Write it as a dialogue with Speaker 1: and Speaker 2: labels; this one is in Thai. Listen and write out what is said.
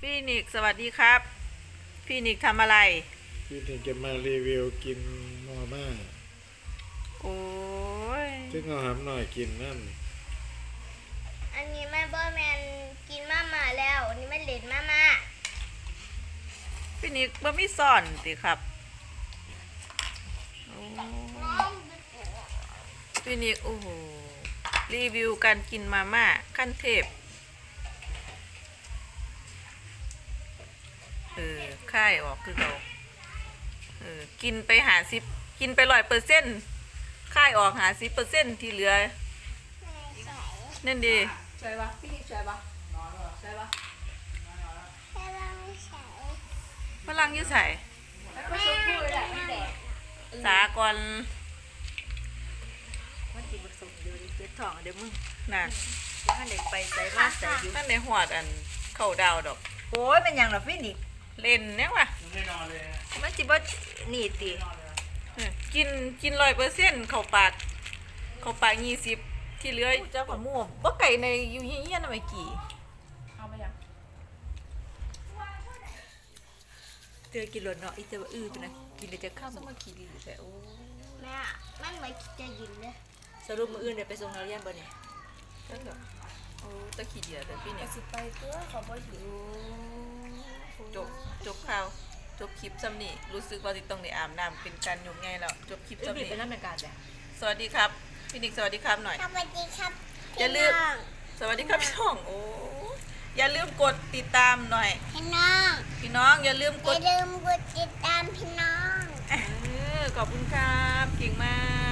Speaker 1: พี่นิกสวัสดีครับพี่นิกทำอะไร
Speaker 2: พี่ถึงจะมารีวิวกินมาม่า
Speaker 1: โอ้ย
Speaker 2: ซึ่งเอาหำหน่อยกินนั่น
Speaker 3: อันนี้แม่บอยแมนกินมาม่าแล้วอันนี้แม่เล่นมาม่า
Speaker 1: พี่นิกบ่มีซ่อนสิครับพี่นิกโอ้โหรีวิวการกินมาม่าขั้นเทพค่ายออกคือเรากินไปกินไป100%ค่ายออก50%ที่เหลือนั่นดี
Speaker 4: ใช่ปะพี่ใช่ปะใช่ปะ
Speaker 1: พลังอยืดใส่
Speaker 4: แล้วก็ชมพู่แหละพี่แดก
Speaker 1: สากร
Speaker 4: มันกินผสมเดียวดิเจ็ดทองเดี๋ยวมึง
Speaker 1: น่ะ
Speaker 4: ถ้าเด็กไปใส่มาใส่อยู่
Speaker 1: นั่นในหัวอันเข้าดาวดอก
Speaker 4: โอ้ยเป็นอย่างหรอพี่นิก
Speaker 1: เล่นเนี่ยวะ
Speaker 4: มันจิบ่หนีติ
Speaker 1: กิน100%เข้าปาก20ที่เหลือ
Speaker 4: เจ้าของม่วง
Speaker 1: บ่ไก่ในอยู่เฮียนๆน่ะไม่กี่
Speaker 4: เอาไปยังเจอกินหลดเนาะอีเจ้าไปนะกินเลยจะข้ามมาขี่ดีแต่โอ้
Speaker 3: แม่มันเหมือนจะยินเลย
Speaker 4: สรุปมืออื่นเดี๋ยวไปส่งนักเรียนบ่เนี่ย
Speaker 1: นั่นเหรอโอ้ตะขี้เดียดพี่เนี่ย
Speaker 4: สิไปตัวเขาบ่อยู่
Speaker 1: จบข่าวจบคลิปซ้ำนี่รู้สึกว่าต้องได้อาบน้ำเป็นการยกไงแล้วจบคลิปซ้ำนี่
Speaker 4: เป็นน้ำเป็นการจ้ะ
Speaker 1: สวัสดีครับพี่นิกสวัสดีครับหน่อย
Speaker 3: สวัสดีครับ
Speaker 1: อย่าลืมสวัสดีครับช่องโอ้อย่าลืมกดติดตามหน่อย
Speaker 3: พี่น้อง
Speaker 1: อย่าลืมกด
Speaker 3: ติดตามพี่น้อง
Speaker 1: ขอบคุณครับเก่งมาก